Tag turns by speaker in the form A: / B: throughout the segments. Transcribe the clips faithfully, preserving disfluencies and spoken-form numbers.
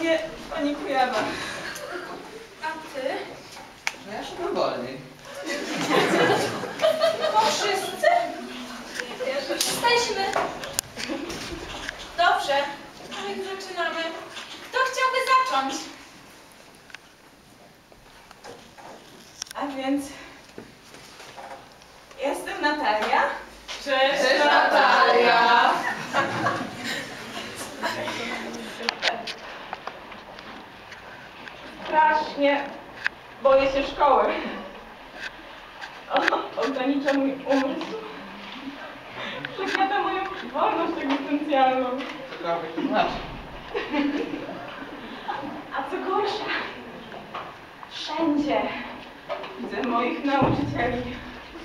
A: sobie pani Kujawa.
B: A ty?
C: No ja szukam wolniej.
B: No wszyscy? Jesteśmy. Dobrze, a jak zaczynamy? Kto chciałby zacząć?
A: A więc jestem Natalia.
B: Cześć,
A: Cześć Natalia. Strasznie boję się szkoły. O, ogranicza mój umysł. Przekłada moją wolność egzystencjalną.
C: Cokolwiek to znaczy.
A: A co gorsza, wszędzie widzę moich nauczycieli.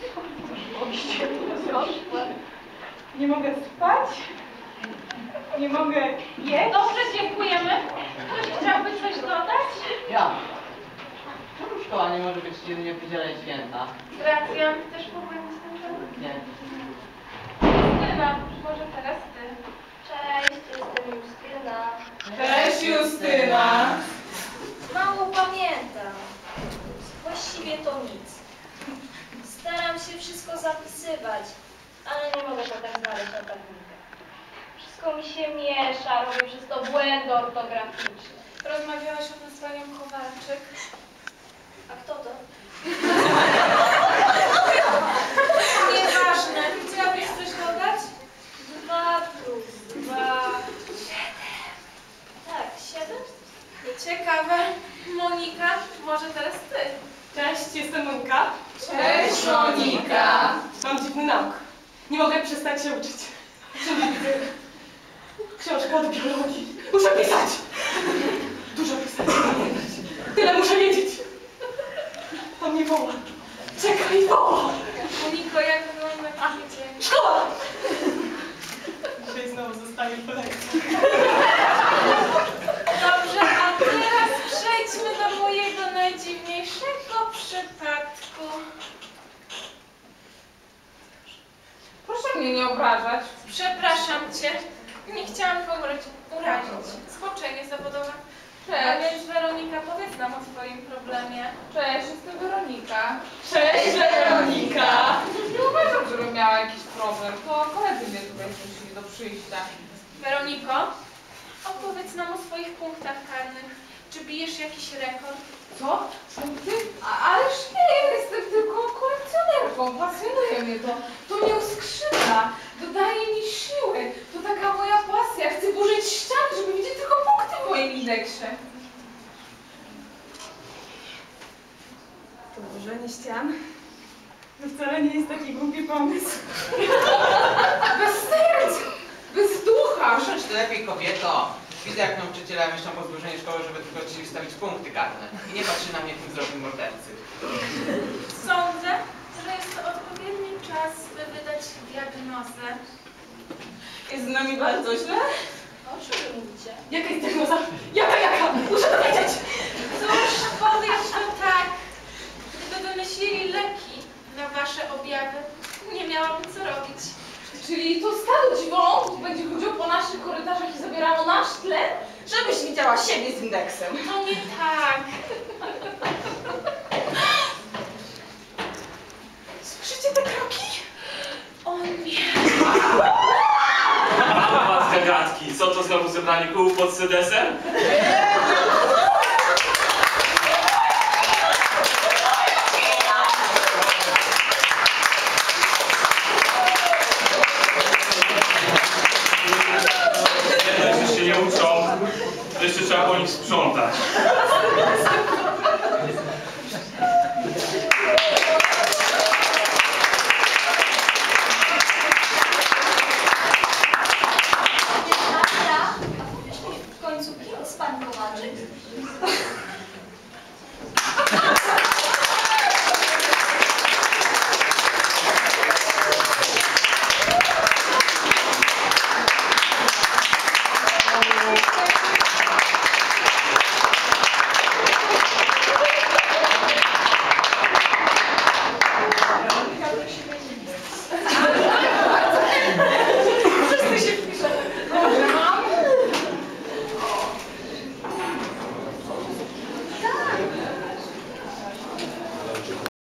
A: Nie mogę spać, nie mogę jeść.
B: Dobrze, dziękujemy. Ktoś chciałby coś dodać?
C: Ja. Czemu szkoła nie może być dziennie w niedzielę i święta?
B: Racja, też powinien jestem.
C: Nie.
B: Justyna, może teraz ty.
D: Cześć, jestem Justyna.
A: Cześć Justyna.
D: Mało pamiętam. Właściwie to nic. Staram się wszystko zapisywać, ale nie mogę potem znaleźć na tablicę. Wszystko mi się miesza, robię przez to błędy ortograficzne.
B: Rozmawiałaś o tym z panią Kowalczyk.
D: A kto to?
B: Nieważne. Chciałabyś coś dodać?
D: Dwa plus dwa. Tak, siedem?
B: Ciekawe. Monika, może teraz ty.
A: Cześć, jestem Monika.
B: Cześć,
A: Monika. Mam dziwny nauk. Nie mogę przestać się uczyć. Wszędzie widzę książkę od biologii. Muszę pisać. Dużo pisać, pamiętać. Tyle muszę wiedzieć. On mnie woła. Czekaj, woła.
B: Moniko, jak wygląda twój dzień?
A: Szkoła! Dzisiaj znowu zostaję po lekcji.
B: Dobrze, a teraz przejdźmy do mojego najdziwniejszego przypadku.
A: Proszę mnie nie obrażać.
B: Przepraszam cię. Nie chciałam kogoś urazić. Zboczenie zawodowe. A więc Weronika, powiedz nam o swoim problemie.
E: Cześć, jestem Weronika.
A: Cześć, Weronika.
E: Nie uważam, żebym miała jakiś problem. To koledzy mnie tutaj zmusili do przyjścia.
B: Weroniko, opowiedz nam o swoich punktach karnych. Czy bijesz jakiś rekord?
E: Co? Punkty? A, ależ nie, jestem tylko kolekcjonerką. Pasjonuje mnie to. To mnie uskrzydla. Dodaje mi siły. To taka moja pasja. Chcę burzyć ściany, żeby widzieć tylko punkty w moim indeksie.
A: To burzenie ścian to wcale nie jest taki głupi pomysł.
E: Bez serc! Bez ducha!
C: Proszę ty lepiej, kobieto. Widzę, jak nauczyciele myślą po zburzeniu szkoły, żeby tylko ci wstawić punkty karne. I nie patrzy na mnie tym wzrokiem mordercy.
B: Sądzę, że jest to odpowiedni czas, by wydać diagnozę.
A: Jest z nami bardzo źle.
D: O czym wy mówicie?
A: Jaka jest diagnoza? Jaka, jaka? Muszę to wiedzieć!
B: Cóż, powiedz to tak. Gdyby wymyślili leki na wasze objawy, nie miałabym co robić.
E: Czyli to stado dziwolątów będzie chodziło po naszych korytarzach i zabierało nasz tlen?
A: Żebyś widziała siebie z indeksem.
B: To nie tak.
A: Słyszycie te kroki?
B: O nie.
F: Mam was gagatki. Co to znowu zebranie kół pod sedesem?